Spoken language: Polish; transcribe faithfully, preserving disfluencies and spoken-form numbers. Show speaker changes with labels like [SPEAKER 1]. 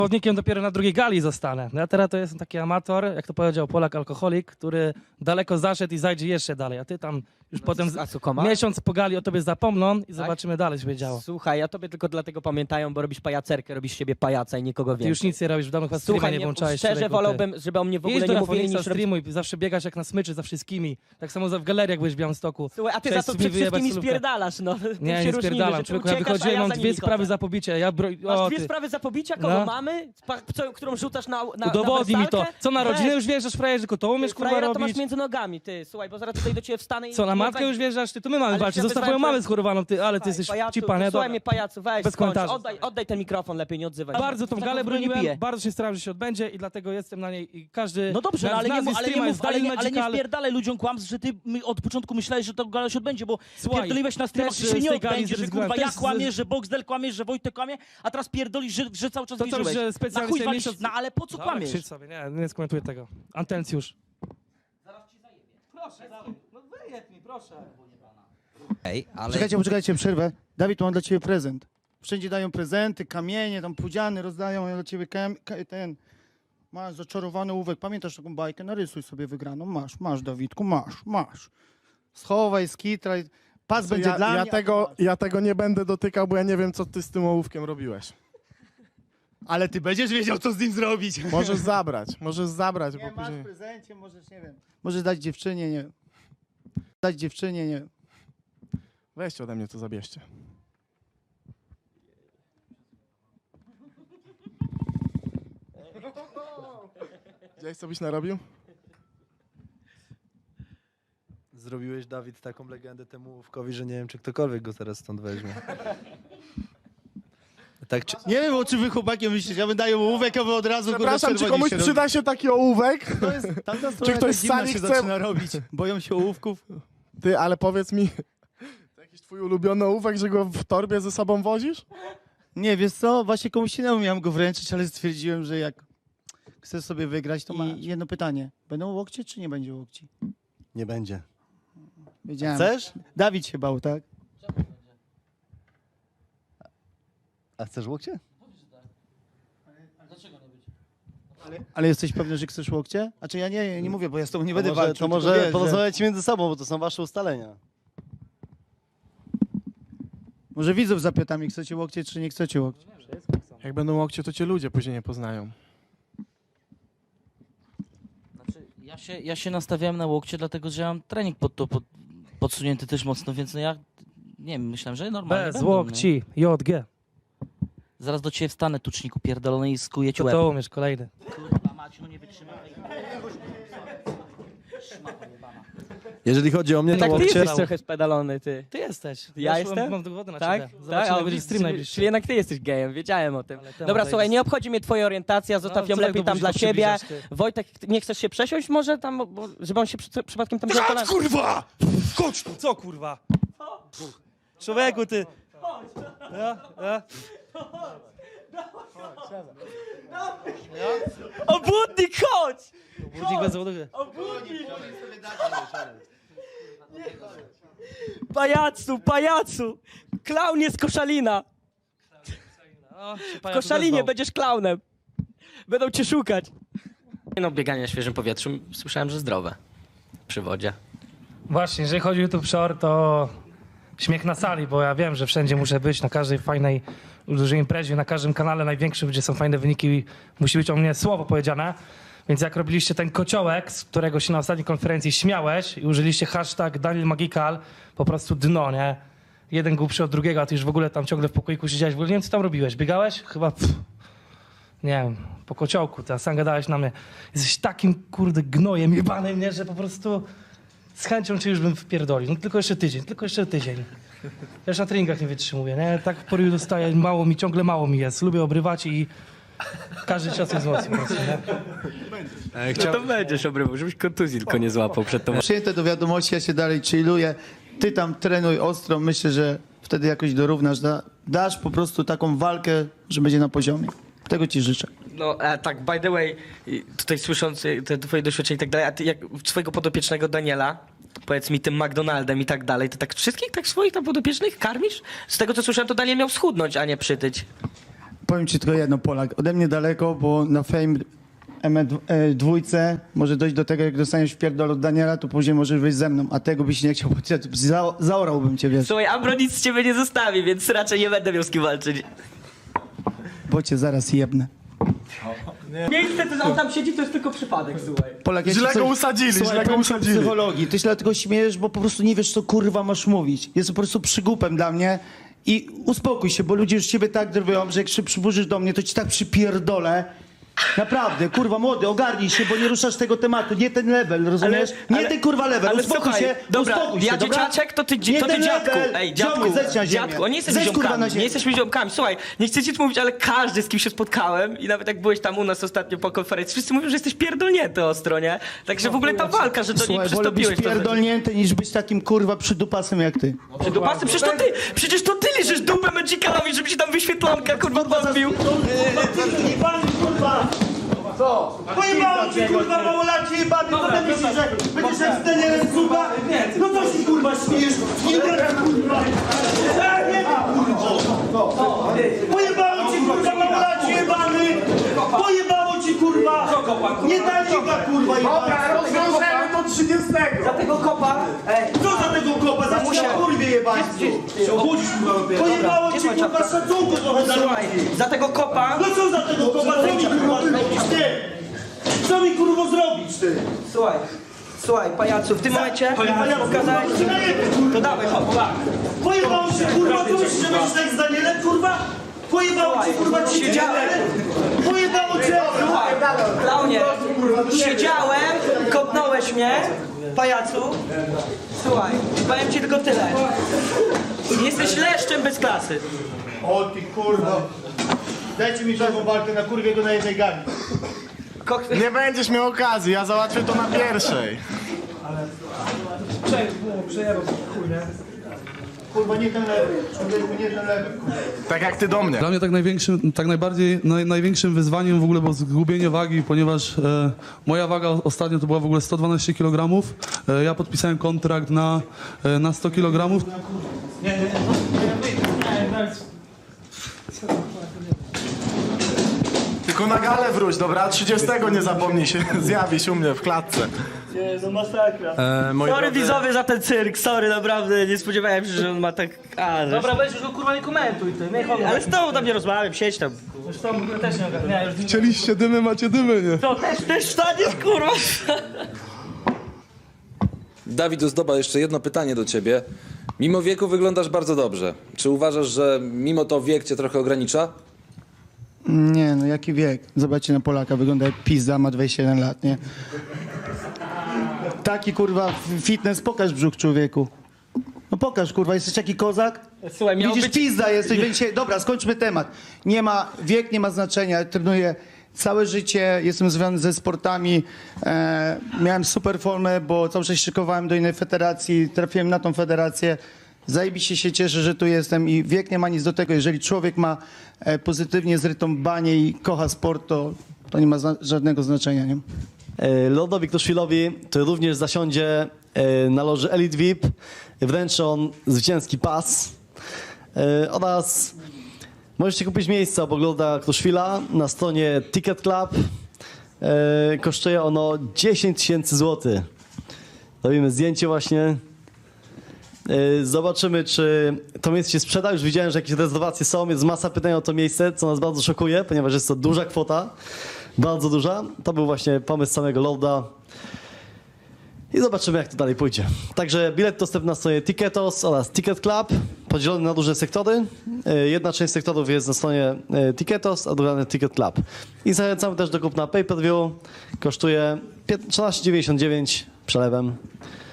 [SPEAKER 1] Zawodnikiem dopiero na drugiej gali zostanę. No ja teraz to jestem taki amator, jak to powiedział Polak alkoholik, który daleko zaszedł i zajdzie jeszcze dalej, a ty tam już potem
[SPEAKER 2] A co, koma?
[SPEAKER 1] miesiąc po gali o tobie zapomną i zobaczymy dalej, co będzie działo.
[SPEAKER 2] Słuchaj, ja tobie tylko dlatego pamiętają, bo robisz pajacerkę, robisz z siebie pajaca i nikogo
[SPEAKER 1] Ty
[SPEAKER 2] więcej.
[SPEAKER 1] już nic nie robisz w domu, chyba streama
[SPEAKER 2] Słuchaj,
[SPEAKER 1] nie
[SPEAKER 2] nie,
[SPEAKER 1] włączałeś.
[SPEAKER 2] szczerze
[SPEAKER 1] człowieku, ty.
[SPEAKER 2] wolałbym, żeby o mnie w ogóle
[SPEAKER 1] Jedź do
[SPEAKER 2] nie mówili,
[SPEAKER 1] Rafoniksa,
[SPEAKER 2] niż robić...
[SPEAKER 1] streamuj, zawsze biegasz jak na smyczy za wszystkimi. Tak samo w galeriach byłeś w Białymstoku.
[SPEAKER 2] Słuchaj, a ty
[SPEAKER 1] Chciałeś
[SPEAKER 2] za to
[SPEAKER 1] mi
[SPEAKER 2] przed
[SPEAKER 1] wyjebać
[SPEAKER 2] wszystkimi
[SPEAKER 1] solówkę.
[SPEAKER 2] spierdalasz, no. Tym
[SPEAKER 1] Nie,
[SPEAKER 2] się
[SPEAKER 1] nie
[SPEAKER 2] różnimy,
[SPEAKER 1] spierdalam,
[SPEAKER 2] że ty
[SPEAKER 1] człowieku, ja
[SPEAKER 2] uciekasz,
[SPEAKER 1] wychodziłem,
[SPEAKER 2] a ja
[SPEAKER 1] mam
[SPEAKER 2] za
[SPEAKER 1] dwie
[SPEAKER 2] nimi
[SPEAKER 1] sprawy
[SPEAKER 2] chodzę.
[SPEAKER 1] za pobicie, ja bro...
[SPEAKER 2] Masz
[SPEAKER 1] o,
[SPEAKER 2] dwie
[SPEAKER 1] ty.
[SPEAKER 2] sprawy za pobicia? Kogo
[SPEAKER 1] No.
[SPEAKER 2] mamy? Pa, co, którą rzucasz na, na,
[SPEAKER 1] Udowodnij
[SPEAKER 2] na
[SPEAKER 1] mi to.
[SPEAKER 2] wersalkę?
[SPEAKER 1] Co na rodzinę
[SPEAKER 2] Weź.
[SPEAKER 1] już wjeżdżasz, frajerze, tylko to umiesz kurwa
[SPEAKER 2] Frajera to masz
[SPEAKER 1] robić?
[SPEAKER 2] między nogami, ty. Słuchaj, bo zaraz tutaj do ciebie wstanę i...
[SPEAKER 1] Co, na
[SPEAKER 2] i
[SPEAKER 1] matkę
[SPEAKER 2] weź-
[SPEAKER 1] już wjeżdżasz? Ty, to my mamy
[SPEAKER 2] Ale
[SPEAKER 1] walczyć.
[SPEAKER 2] ja
[SPEAKER 1] Zostaw
[SPEAKER 2] wyzwałem
[SPEAKER 1] moją mamę
[SPEAKER 2] twoje-
[SPEAKER 1] schorowaną, ty, ale ty jesteś
[SPEAKER 2] Pajacu,
[SPEAKER 1] cipa, nie?
[SPEAKER 2] Słuchaj
[SPEAKER 1] Dobra.
[SPEAKER 2] mnie, pajacu, weź,
[SPEAKER 1] Bez
[SPEAKER 2] skończ.
[SPEAKER 1] komentarzy.
[SPEAKER 2] Oddaj, oddaj ten mikrofon, lepiej nie odzywaj się.
[SPEAKER 1] Bardzo tą
[SPEAKER 2] Tak
[SPEAKER 1] galę
[SPEAKER 2] w ogóle nie
[SPEAKER 1] broniłem,
[SPEAKER 2] piję.
[SPEAKER 1] bardzo się starałem, że się odbędzie i dlatego jestem na niej i każdy...
[SPEAKER 3] No dobrze,
[SPEAKER 1] na-
[SPEAKER 3] no, ale,
[SPEAKER 1] z
[SPEAKER 3] nie,
[SPEAKER 1] nazwy
[SPEAKER 3] mów- ale, nie
[SPEAKER 1] streama
[SPEAKER 3] mów,
[SPEAKER 1] jest
[SPEAKER 3] ale,
[SPEAKER 1] Daniel
[SPEAKER 3] nie, ale nie
[SPEAKER 1] Magical.
[SPEAKER 3] wpierdalaj ludziom kłamstw, że ty my od początku myślałeś, że to gala się odbędzie, bo
[SPEAKER 1] Słuchaj,
[SPEAKER 3] pierdoliłeś na streamach,
[SPEAKER 1] też
[SPEAKER 3] że się
[SPEAKER 1] z
[SPEAKER 3] nie
[SPEAKER 1] tej gali
[SPEAKER 3] odbędzie, że
[SPEAKER 1] zrezygnowałem,
[SPEAKER 3] kurwa ja
[SPEAKER 1] też z-
[SPEAKER 3] kłamiesz, że Boxdel kłamiesz, że Wojtek kłamie, a teraz pierdolisz, że, że cały czas
[SPEAKER 1] To co,
[SPEAKER 3] wierzyłeś.
[SPEAKER 1] że specjalnie
[SPEAKER 3] Na chuj
[SPEAKER 1] sobie
[SPEAKER 3] walisz,
[SPEAKER 1] miesiąc-
[SPEAKER 3] no ale po co
[SPEAKER 1] Dobra,
[SPEAKER 3] kłamiesz?
[SPEAKER 1] krzycz sobie, nie, nie skomentuję tego. Antencjusz. Proszę, no wyjeb mi, proszę.
[SPEAKER 4] Ej, ale
[SPEAKER 5] Czekajcie, poczekajcie, przerwę. Dawid, mam dla ciebie prezent. Wszędzie dają prezenty, kamienie, tam pudziany rozdają, ja dla ciebie kam, ka, ten... Masz zaczarowany ołówek. Pamiętasz taką bajkę? Narysuj sobie wygraną. Masz, masz, Dawidku, masz, masz. Schowaj, skitraj. Pas będzie
[SPEAKER 6] ja,
[SPEAKER 5] dla
[SPEAKER 6] ja
[SPEAKER 5] mnie.
[SPEAKER 6] tego,
[SPEAKER 5] a masz.
[SPEAKER 6] ja tego nie będę dotykał, bo ja nie wiem, co ty z tym ołówkiem robiłeś.
[SPEAKER 5] Ale ty będziesz wiedział, co z nim zrobić.
[SPEAKER 6] Możesz zabrać, możesz zabrać,
[SPEAKER 5] Nie,
[SPEAKER 6] bo
[SPEAKER 5] masz
[SPEAKER 6] później...
[SPEAKER 5] w prezencie, możesz, nie wiem. Możesz dać dziewczynie, nie wiem. Dać dziewczynie, nie wiem.
[SPEAKER 6] Weźcie ode mnie to zabierzcie. Widziałeś, co byś narobił?
[SPEAKER 7] Zrobiłeś, Dawid, taką legendę temu Łówkowi, że nie wiem, czy ktokolwiek go teraz stąd weźmie. Tak, czy...
[SPEAKER 5] Nie wiem, o czym wy chłopaki myślicie. Ja bym daję ołówek, a wy od razu kurwa,
[SPEAKER 6] Przepraszam, czy
[SPEAKER 5] czerwoni
[SPEAKER 6] komuś
[SPEAKER 5] się
[SPEAKER 6] przyda się taki ołówek?
[SPEAKER 5] To jest, tamta
[SPEAKER 6] Czy ktoś z sali
[SPEAKER 5] się
[SPEAKER 6] chce-
[SPEAKER 5] zaczyna robić? Boją się ołówków?
[SPEAKER 6] Ty, ale powiedz mi, to jakiś twój ulubiony ołówek, że go w torbie ze sobą wozisz?
[SPEAKER 5] Nie, wiesz co, właśnie komuś innemu miałem go wręczyć, ale stwierdziłem, że jak chcesz sobie wygrać, to I jedno pytanie. Będą łokcie, czy nie będzie łokci?
[SPEAKER 7] Nie będzie.
[SPEAKER 5] Wiedziałem.
[SPEAKER 7] Chcesz?
[SPEAKER 5] Dawid się bał, tak?
[SPEAKER 7] A chcesz łokcie?
[SPEAKER 5] Ale jesteś pewny, że chcesz łokcie? A czy ja nie, nie mówię, bo ja z tobą nie będę
[SPEAKER 7] może,
[SPEAKER 5] walczył.
[SPEAKER 7] to
[SPEAKER 5] tylko
[SPEAKER 7] może
[SPEAKER 5] wiesz, że-
[SPEAKER 7] porozmawiajcie między sobą, bo to są wasze ustalenia.
[SPEAKER 5] Może widzów zapytam, jak chcecie łokcie, czy nie chcecie łokcie.
[SPEAKER 6] Jak będą łokcie, to cię ludzie później nie poznają.
[SPEAKER 3] Znaczy, ja, się, ja się nastawiałem na łokcie, dlatego że ja mam trening pod to pod, podsunięty też mocno, więc no ja nie wiem, myślałem, że normalnie
[SPEAKER 1] Bez
[SPEAKER 3] będą, nie?
[SPEAKER 1] łokci, J G.
[SPEAKER 3] Zaraz do ciebie wstanę, tuczniku pierdolony i skuję ci
[SPEAKER 1] To
[SPEAKER 3] łeb.
[SPEAKER 1] to umiesz, kolejny.
[SPEAKER 3] Kurwa Maciu, no nie wytrzymam.
[SPEAKER 7] Jeżeli chodzi o mnie, to
[SPEAKER 2] Tak, ty
[SPEAKER 7] łokcie...
[SPEAKER 2] jesteś trochę spedalony, ty.
[SPEAKER 1] Ty jesteś.
[SPEAKER 2] Ja
[SPEAKER 1] już mam-
[SPEAKER 2] jestem?
[SPEAKER 1] Mam dowody na
[SPEAKER 2] Tak?
[SPEAKER 1] ciebie.
[SPEAKER 2] Tak?
[SPEAKER 1] Zobaczymy,
[SPEAKER 2] A,
[SPEAKER 1] będzie stream
[SPEAKER 2] czyli-
[SPEAKER 1] najbliższy.
[SPEAKER 2] Czyli jednak ty jesteś gejem, wiedziałem o tym.
[SPEAKER 1] Ale temat
[SPEAKER 2] Dobra, słuchaj,
[SPEAKER 1] zajebisty.
[SPEAKER 2] nie obchodzi mnie twoja orientacja, zostaw
[SPEAKER 1] No,
[SPEAKER 2] ją
[SPEAKER 1] co
[SPEAKER 2] lepiej
[SPEAKER 1] jak do
[SPEAKER 2] tam dla
[SPEAKER 1] buzi
[SPEAKER 2] siebie.
[SPEAKER 1] przybliżasz, ty?
[SPEAKER 2] Wojtek, nie chcesz się przesiąść może tam, bo, żeby on się przy, przypadkiem tam wziął kolana?
[SPEAKER 1] Kurwa! Chodź tu, co kurwa? Człowieku, ty. Ja, ja.
[SPEAKER 2] Obudnik, chodź!
[SPEAKER 1] Budzik bez zawodu.
[SPEAKER 2] Pajacu, pajacu! Klaunie z Koszalina!
[SPEAKER 1] O, się
[SPEAKER 2] W
[SPEAKER 1] pajac
[SPEAKER 2] Koszalinie
[SPEAKER 1] odezwał.
[SPEAKER 2] będziesz klaunem. Będą cię szukać.
[SPEAKER 8] No, bieganie na świeżym powietrzu słyszałem, że zdrowe przy wodzie.
[SPEAKER 1] Właśnie, jeżeli chodzi o YouTube Short, to śmiech na sali, bo ja wiem, że wszędzie muszę być, na każdej fajnej, dużej imprezie, na każdym kanale największym, gdzie są fajne wyniki, musi być o mnie słowo powiedziane. Więc jak robiliście ten kociołek, z którego się na ostatniej konferencji śmiałeś i użyliście hashtag Daniel Magical, po prostu dno, nie? Jeden głupszy od drugiego, a ty już w ogóle tam ciągle w pokoiku siedziałeś. W ogóle nie wiem, co tam robiłeś. Biegałeś? Chyba, pff, nie wiem, po kociołku. Ty sam gadałeś na mnie. Jesteś takim, kurde, gnojem jebanym, nie? Że po prostu z chęcią cię już bym wpierdolił. No tylko jeszcze tydzień, tylko jeszcze tydzień. Ja już na treningach nie wytrzymuję, nie? Tak w poryju dostaję, mało mi, ciągle mało mi jest. Lubię obrywać i każdy czas jest mocny po prostu, nie?
[SPEAKER 8] No to będziesz obrywał, żebyś kontuzji tylko nie złapał przed tą...
[SPEAKER 5] Przyjęte do wiadomości, ja się dalej chilluję. Ty tam trenuj ostro, myślę, że wtedy jakoś dorównasz. Da, dasz po prostu taką walkę, że będzie na poziomie. Tego ci życzę.
[SPEAKER 8] No e, tak, by the way, i tutaj słysząc e, te twoje doświadczenia i tak dalej, a ty jak swojego podopiecznego Daniela, powiedz mi tym McDonaldem i tak dalej, to tak wszystkich tak swoich tam podopiecznych karmisz? Z tego co słyszałem, to Daniel miał schudnąć, a nie przytyć.
[SPEAKER 5] powiem ci tylko jedno, Polak. Ode mnie daleko, bo na Fame M dwójce może dojść do tego, jak dostaniesz w pierdol od Daniela, to później możesz wyjść ze mną, a tego byś nie chciał, bo cię- za, zaorałbym cię, wiesz,
[SPEAKER 8] Słuchaj, Ambro nic z ciebie nie zostawi, więc raczej nie będę miał z kim walczyć.
[SPEAKER 5] bo cię zaraz jebnę.
[SPEAKER 8] Miejsce, to on tam siedzi, to jest tylko przypadek, słuchaj.
[SPEAKER 5] Polak, ja ci
[SPEAKER 6] Źle
[SPEAKER 5] coś-
[SPEAKER 6] go usadzili,
[SPEAKER 5] Słuchaj,
[SPEAKER 6] źle go
[SPEAKER 5] powiem ci o
[SPEAKER 6] usadzili.
[SPEAKER 5] psychologii. Ty się dlatego śmiejesz, bo po prostu nie wiesz, co kurwa masz mówić. Jest po prostu przygłupem dla mnie i uspokój się, bo ludzie już ciebie tak drwią, że jak się przyburzysz do mnie, to ci tak przypierdolę. Naprawdę, kurwa młody, ogarnij się, bo nie ruszasz tego tematu. Nie ten level, rozumiesz? nie
[SPEAKER 8] ale-
[SPEAKER 5] ten kurwa level,
[SPEAKER 8] ale
[SPEAKER 5] uspokój
[SPEAKER 8] słuchaj,
[SPEAKER 5] się,
[SPEAKER 8] dobra,
[SPEAKER 5] uspokój się,
[SPEAKER 8] ja
[SPEAKER 5] dobra?
[SPEAKER 8] dzieciaczek, to ty,
[SPEAKER 5] Nie
[SPEAKER 8] to ty
[SPEAKER 5] ten
[SPEAKER 8] dziadku.
[SPEAKER 5] level.
[SPEAKER 8] Ej, dziadku,
[SPEAKER 5] Ziomuj, zejdź na ziemię.
[SPEAKER 8] dziadku, on nie jesteśmy
[SPEAKER 5] Zejdź, kurwa, na
[SPEAKER 8] ziomkami,
[SPEAKER 5] ziemię.
[SPEAKER 8] nie jesteśmy ziomkami. Słuchaj, nie chcę ci mówić, ale każdy, z kim się spotkałem i nawet jak byłeś tam u nas ostatnio po konferencji, wszyscy mówią, że jesteś pierdolnięty ostro, nie? Także w ogóle ta walka, że do niej
[SPEAKER 5] Słuchaj, wolę być
[SPEAKER 8] przystąpiłeś. to-
[SPEAKER 5] pierdolnięty niż być takim kurwa przydupasem jak ty.
[SPEAKER 8] Czy dupasy? Przecież to ty, przecież to ty liżysz dupę Magicalowi, żeby ci tam wyświetlanka kurwa odbił.
[SPEAKER 5] Pojebało cię, kurwa, małolacie jebany, co ty myślisz, że będziesz jak z Danielem Cuba? No co się, kurwa, śmiejesz? Nie wiem, kurwa. Ja nie wiem, kurwa. Pojebało cię, kurwa, małolacie jebany. Pojebało cię, kurwa. Nie daj chyba, kurwa, jebany.
[SPEAKER 6] rozwiążemy do trzydziestego.
[SPEAKER 8] Za tego kopa, ej,
[SPEAKER 5] Co za tego kopa? Za cię na kurwie jebańcu. Się obudzisz, kurwa. Pojebało cię, kurwa, szacunku trochę za
[SPEAKER 8] słuchaj, za tego kopa,
[SPEAKER 5] No co za tego kopa? Co mi, kurwa, zrobisz, ty? Co mi, kurwa, zrobić, ty?
[SPEAKER 8] słuchaj, słuchaj, pajacu, w tym momencie pokazałeś, to dawaj, hop,
[SPEAKER 5] Pojebało się, kurwa, co myślisz, że będziesz tak z Danielem, kurwa? Pojebało cię, kurwa, ci
[SPEAKER 8] Siedziałem.
[SPEAKER 5] Pojebało cię!
[SPEAKER 8] słuchaj, klaunie, siedziałem, kopnąłeś mnie, pajacu, słuchaj, powiem ci tylko tyle, jesteś leszczem bez klasy.
[SPEAKER 5] O ty, kurwa. Dajcie mi taką walkę, na kurwie go na jednej gali.
[SPEAKER 8] Kok-
[SPEAKER 6] Nie będziesz miał okazji, ja załatwię to na pierwszej.
[SPEAKER 5] Kurwa, nie ten lewy. Człowieku, nie ten lewy, kurwa.
[SPEAKER 6] Tak jak ty do mnie.
[SPEAKER 9] Dla mnie tak największym, tak najbardziej, naj, największym wyzwaniem w ogóle było zgubienie wagi, ponieważ e, moja waga ostatnio to była w ogóle sto dwanaście kilogramów. E, ja podpisałem kontrakt na, e, na sto kilogramów.
[SPEAKER 6] Tylko na galę wróć, dobra? trzydziestego nie zapomnij się zjawić u mnie w klatce.
[SPEAKER 7] E, moi
[SPEAKER 8] Sorry
[SPEAKER 7] drodzy,
[SPEAKER 8] widzowie za ten cyrk, sorry, naprawdę, nie spodziewałem się, że on ma tak... A, dobra, weź już go kurwa nie komentuj ty, ale z tobą tam nie rozmawiam, siedź tam. Zresztą też nie ogarniałem, już
[SPEAKER 9] Chcieliście dymy, macie dymy, nie?
[SPEAKER 8] to też, też wstaniesz kurwa.
[SPEAKER 10] Dawid Ozdoba, jeszcze jedno pytanie do ciebie. Mimo wieku wyglądasz bardzo dobrze. Czy uważasz, że mimo to wiek cię trochę ogranicza?
[SPEAKER 5] Nie, no jaki wiek? Zobaczcie na Polaka, wygląda jak pizza, ma dwadzieścia jeden lat, nie? Taki, kurwa, fitness, pokaż brzuch, człowieku. No pokaż, kurwa, jesteś taki kozak?
[SPEAKER 8] Słuchaj, miał
[SPEAKER 5] Widzisz,
[SPEAKER 8] być...
[SPEAKER 5] pizda jesteś, więc się... Dobra, skończmy temat. Nie ma, wiek nie ma znaczenia, trenuję całe życie, jestem związany ze sportami, e, miałem super formę, bo cały czas szykowałem do innej federacji, trafiłem na tą federację. Zajebiście się cieszę, że tu jestem i wiek nie ma nic do tego. Jeżeli człowiek ma e, pozytywnie zrytą banię i kocha sport, to, to nie ma zna- żadnego znaczenia, nie?
[SPEAKER 11] E, Lordowi Kruszwilowi to również zasiądzie e, na loży Elite V I P. Wręczy on zwycięski pas e, oraz możecie kupić miejsce obok Lorda Kruszwila na stronie Ticket Club. E, Kosztuje ono dziesięć tysięcy złotych. Robimy zdjęcie właśnie. E, Zobaczymy, czy to miejsce się sprzeda. Już widziałem, że jakieś rezerwacje są. Jest masa pytań o to miejsce, co nas bardzo szokuje, ponieważ jest to duża kwota. Bardzo duża. To był właśnie pomysł samego Lorda. I zobaczymy, jak to dalej pójdzie. Także bilet dostępny na stronie Ticketos oraz Ticket Club, podzielony na duże sektory. E, Jedna część sektorów jest na stronie e, Ticketos, a druga na Ticket Club. I zachęcamy też do kupna pay-per-view. Kosztuje czternaście dziewięćdziesiąt dziewięć przelewem.